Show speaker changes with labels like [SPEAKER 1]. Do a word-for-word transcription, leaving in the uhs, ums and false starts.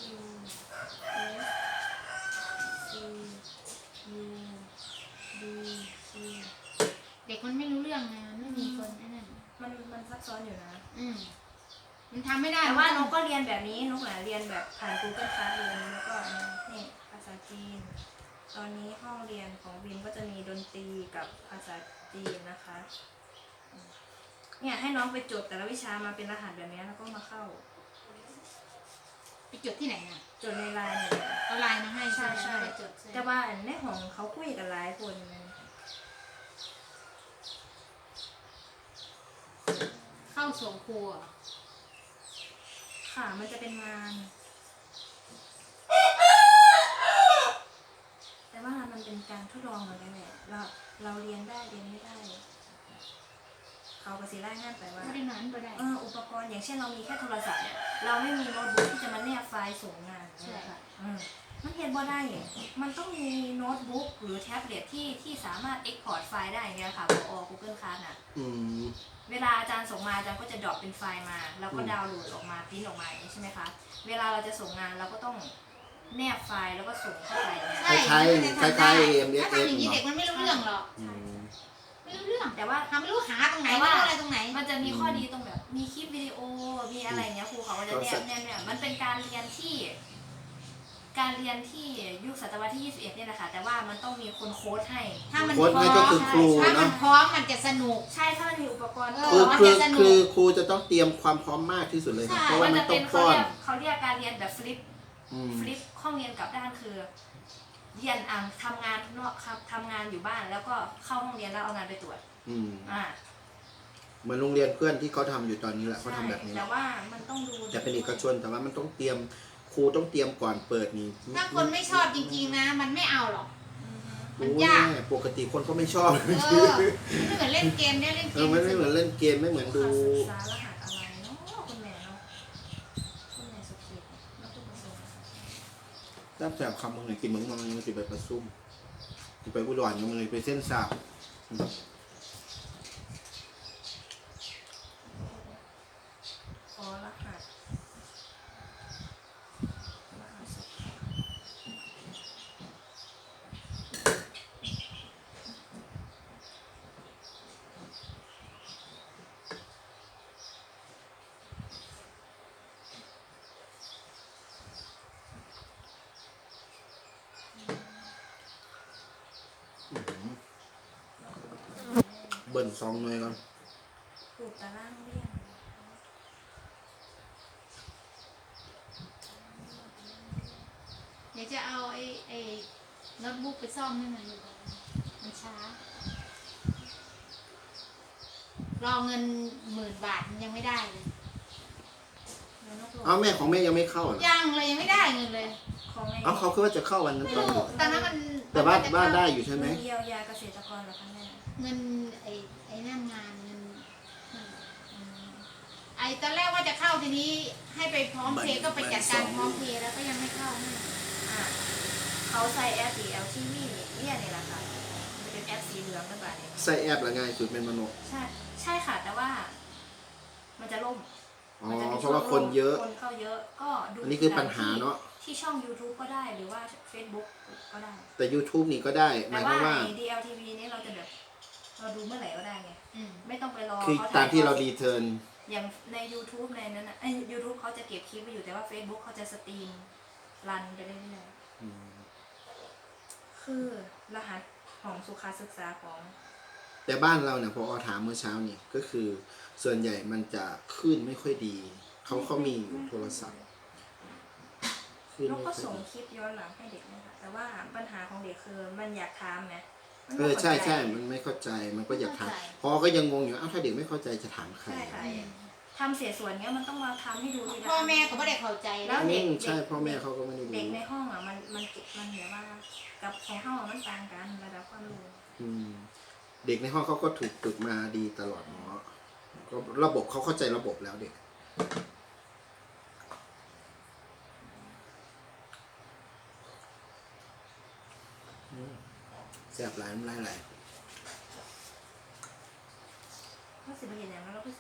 [SPEAKER 1] U S C U D C
[SPEAKER 2] เด็กมันไม่รู้เรื่องไงมันไม่มีคนไอ้นั่น
[SPEAKER 1] มันมันซับซ้อนอยู่นะ
[SPEAKER 2] อืมมันทำไม่ได้
[SPEAKER 1] แต่ว่านกก็เรียนแบบนี้นกหลาเรียนแบบผ่าน Google Classroom แล้วก็นี่ภาษาจีน ตอนนี้ห้องเรียนของบิมก็จะมีดนตรีกับภาษาจีนนะคะเนี่ยให้น้องไปจดแต่ละวิชามาเป็นรหัสแบบนี้แล้วก็มาเข้า
[SPEAKER 2] ไปจดที่ไหนน่ะ
[SPEAKER 1] จดในไลน์เนี่ย
[SPEAKER 2] เอาไลน์มาให้
[SPEAKER 1] ใช่ใช่
[SPEAKER 2] ไปจด
[SPEAKER 1] แต่ว่าในของเขาคุยกันหลายคนนะ
[SPEAKER 2] เข้าส่งครูอ่ะ
[SPEAKER 1] ค่ะมันจะเป็นงาน แต่ว่ามันเป็นการทดลองเหมือนกันแหละเราเราเรียนได้เรียนไม่ได้ เขาก็สิรายงานไปว่า
[SPEAKER 2] ไม่ได้นอนไม่ได้
[SPEAKER 1] เอออุปกรณ์อย่างเช่นเรามีแค่โทรศัพท์เนี่ยเราไม่มีโน้ตบุ๊กที่จะมาแนบไฟล์ส่งงาน
[SPEAKER 2] ใช่ค่ะ
[SPEAKER 1] อืมมันเรียนบ่ได้ มันต้องมีโน้ตบุ๊กหรือแท็บเล็ตที่ที่สามารถ export ไฟล์ได้อย่างเงี้ยค่ะพอ Google Class น่ะ
[SPEAKER 3] อืม
[SPEAKER 1] เวลาอาจารย์ส่งมาอาจารย์ก็จะดรอปเป็นไฟล์มาแล้วก็
[SPEAKER 3] อืม
[SPEAKER 1] ดาวน์โหลดออกมาพิมพ์ออกมาอย่างนี้ใช่ไหมคะเวลาเราจะส่งงานเราก็ต้องแนบไฟล์แล้วก็ส่งเข้าไปเนี่ย
[SPEAKER 3] คล้ายๆคล้ายๆ เอ็ม เอส
[SPEAKER 2] ถ้า
[SPEAKER 3] เอส
[SPEAKER 2] ทำอย่างนี้เด็กมันไม่รู้เรื่องหรอก
[SPEAKER 3] อืม
[SPEAKER 2] ไม่รู้เรื่อง
[SPEAKER 1] แต่ว่า
[SPEAKER 2] ทำไม่รู้หาตรงไหน
[SPEAKER 1] แต่
[SPEAKER 2] ไม่
[SPEAKER 1] ว่า
[SPEAKER 2] รู้อะไรตรงไหน
[SPEAKER 1] มันจะมีข้อดีตรงแบบ มีคลิปวิดีโอมีอะไรเงี้ยครูเขาก็จะแนบแนบเนี่ยมันเป็นการเรียนที่ การเรียนที่ยุคศตวรรษที่ยี่สิบเอ็ดเนี่ยแหละค่ะแต่ว่ามันต้องมีคนโค้ดให้
[SPEAKER 2] ถ้ามัน
[SPEAKER 3] โค้ดให้ก็คือครู
[SPEAKER 2] ถ้ามัน
[SPEAKER 3] เนาะ
[SPEAKER 2] พร้อมมันจะสนุก
[SPEAKER 1] ใช่ถ้ามันมีอุปกรณ์
[SPEAKER 2] เอ
[SPEAKER 3] คือ
[SPEAKER 2] มัน
[SPEAKER 3] คือ
[SPEAKER 2] จะสนุก
[SPEAKER 3] คือครูจะต้องเตรียมความพร้อมมากที่สุดเลยนะ
[SPEAKER 2] ใช่
[SPEAKER 3] เพราะว่า
[SPEAKER 1] มัน
[SPEAKER 3] มัน
[SPEAKER 1] จะ
[SPEAKER 3] ต้
[SPEAKER 1] เป็
[SPEAKER 3] อน ง
[SPEAKER 1] เขา
[SPEAKER 3] ป้อน
[SPEAKER 1] เรียกเขาเรียกการเรียนแบบฟลิป
[SPEAKER 3] อืม
[SPEAKER 1] ฟลิปห้องเรียนกลับด้านคือเรียนอ่าทำงานเนาะครับทำงานอยู่บ้านแล้วก็เข้าห้องเรียนแล้วเอางานไปตรวจ
[SPEAKER 3] อืม
[SPEAKER 1] อ่า
[SPEAKER 3] เหมือนโรงเรียนเพื่อนที่เขาทำอยู่ตอนนี้แหละเขาทำแบบนี้แห
[SPEAKER 1] แต่
[SPEAKER 3] ละ
[SPEAKER 1] ว่ามันต้องดู
[SPEAKER 3] แต่เป็นเอกชนแต่ว่ามันต้องเตรียมครูต้องเตรียมก่อนเปิดนี่
[SPEAKER 2] ถ้าคนไม่ชอบจริงๆนะ มันไม่เอาหรอก
[SPEAKER 1] อือฮึ
[SPEAKER 2] มัน
[SPEAKER 3] โอ้
[SPEAKER 2] ยาก
[SPEAKER 3] แม่ปกติคนเขาไม่ชอบ
[SPEAKER 2] เออมันไม่เหมือนเล่นเกมเนี่ยเล่นเก
[SPEAKER 3] เออ
[SPEAKER 2] ม
[SPEAKER 3] มันไม่เหมือนเล่นเกมไม่เหมือนดู
[SPEAKER 1] ค่าศึกษารหัสอะไรเนาะคุณแม่เนาะคุณแม่สุขีแล้วคุณประสงค์
[SPEAKER 3] ตั้งแต่คำมึงเลยกินมึงมันยังสิไปประซุ่มไปอุดรยังมึงเลยไปเส้นสาบ
[SPEAKER 1] ขอรหัสรหัสสุขี
[SPEAKER 3] เบิ่นซองหน่อยก่อน
[SPEAKER 1] ปลูกตารางเรียน
[SPEAKER 2] เดี๋ยวจะเอาไอ้ไอ้โน้ตบุ๊กไปซ่อมให้มันมันช้า รอเงินหมื่นบาทมันยังไม่ได้เลย
[SPEAKER 1] แล้วนกหลง
[SPEAKER 3] เอาแม่ของแม่ยังไม่เข้าเหรอ
[SPEAKER 2] ยังเลยยังไม่ได้เงินเลย
[SPEAKER 1] ของแม่
[SPEAKER 3] เอาเขาคือว่าจะเข้าวันนั้น
[SPEAKER 2] ไม่
[SPEAKER 3] ตอน
[SPEAKER 2] รู้
[SPEAKER 3] ไหน
[SPEAKER 2] ตอนนั้นมัน
[SPEAKER 3] แต่บ้าน
[SPEAKER 2] มัจะ
[SPEAKER 3] บ้าน
[SPEAKER 2] เข้
[SPEAKER 3] ได้อยู่ใช่ไหม
[SPEAKER 1] เงินเยียวยาเกษตรกรเหรอคะแม่
[SPEAKER 2] เงินไอ้ไอ้นั่นงานเงิน
[SPEAKER 1] อืม
[SPEAKER 2] ไอ้ตอนแรกว่าจะเข้าทีนี้ให้ไปพร้อมเพย์ก็ไปจัดการพร้อมเพย์แล้วก็ยังไม่เข้าให้
[SPEAKER 1] อ่ะเขาใส่แอป ดี แอล ที วี เนี่ยนี่แหละค่ะมันจะเป็นแอปสีเหลืองนั่นแบบนี้
[SPEAKER 3] ใส่แอปละง่ายสุดเป็นมโน
[SPEAKER 1] ใช่ใช่ค่ะแต่ว่า มันจะล่ม
[SPEAKER 3] อ๋อ
[SPEAKER 1] มันจะมี
[SPEAKER 3] เพราะว่า
[SPEAKER 1] ช่
[SPEAKER 3] ค
[SPEAKER 1] วง
[SPEAKER 3] น
[SPEAKER 1] ล่ม
[SPEAKER 3] เยอะ
[SPEAKER 1] คนเข้าเยอะก็ดู
[SPEAKER 3] อันนี้คือปัญหาเนาะ
[SPEAKER 1] ที่ช่อง YouTube ก็ได้หรือว่า Facebook ก็ได้
[SPEAKER 3] แต่ YouTube นี่ก็ได้ห
[SPEAKER 1] แต่
[SPEAKER 3] มายค
[SPEAKER 1] ว่าว
[SPEAKER 3] ามว่า
[SPEAKER 1] ใน ดี แอล ที วี นี่เราจะแบบ เราดูเมื่อไหร่ก็ได้ไง
[SPEAKER 2] อืม
[SPEAKER 1] ไม่ต้องไปรอ
[SPEAKER 3] คือ
[SPEAKER 1] เขา
[SPEAKER 3] ตามที่เรา
[SPEAKER 1] ทอด
[SPEAKER 3] ดีเทิร์น
[SPEAKER 1] อย่างใน YouTube ในนั้นนะไอ้ YouTube เขาจะเก็บคลิปไว้อยู่แต่ว่า Facebook เขาจะสตรีมรันไปเรื่อยๆคือรหัสของสุขาศึกษาของ
[SPEAKER 3] แต่บ้านเราเนี่ยพออถามเมื่อเช้านี่ก็คือส่วนใหญ่มันจะขึ้นไม่ค่อยดี เขาเขามีอยู่โทรศัพท์ขึ้น
[SPEAKER 1] นก
[SPEAKER 3] ไม่
[SPEAKER 1] ก็
[SPEAKER 3] ค่อย
[SPEAKER 1] ส่ง
[SPEAKER 3] ดี
[SPEAKER 1] คลิปย้อนหลังให้เด็กนะคะแต่ว่าปัญหาของเด็กคือมันอยากถามไงมัน
[SPEAKER 3] เอ
[SPEAKER 1] ไม่
[SPEAKER 3] อใช่
[SPEAKER 1] เข้าจ
[SPEAKER 3] ใช่มันไม่เข้าใจมันก็อยากถาม
[SPEAKER 2] ไม่เข้าใจ
[SPEAKER 3] พอก็ยังงงอยู่อ้าวถ้าเด็กไม่เข้าใจจะถามใคร
[SPEAKER 1] ใช่ค่ะทำเสียส่วนเนี้ยมันต้องมาทำให้ดูทีละ
[SPEAKER 2] พ่อแม่ก็ไม่ได้เข้าใจ
[SPEAKER 1] แล้ว
[SPEAKER 3] อื
[SPEAKER 1] เด็ก
[SPEAKER 3] มใช่พ่อแม่เขาก็ไม่ได้
[SPEAKER 1] เด็ก
[SPEAKER 3] รู้
[SPEAKER 1] ในห้องอ่ะมันมันมันเหมือนว่ากับของห้องมันต่างกันระดับความรู้
[SPEAKER 3] อืมเด็กในห้องเขาก็ถูกฝึกมาดีตลอดเนาะก็ระบบเขาเข้าใจระบบแล้วเด็กอืมแสบหลายน้ำลายไหล
[SPEAKER 1] ก็สิบเห็นอย่างนั้นเราก็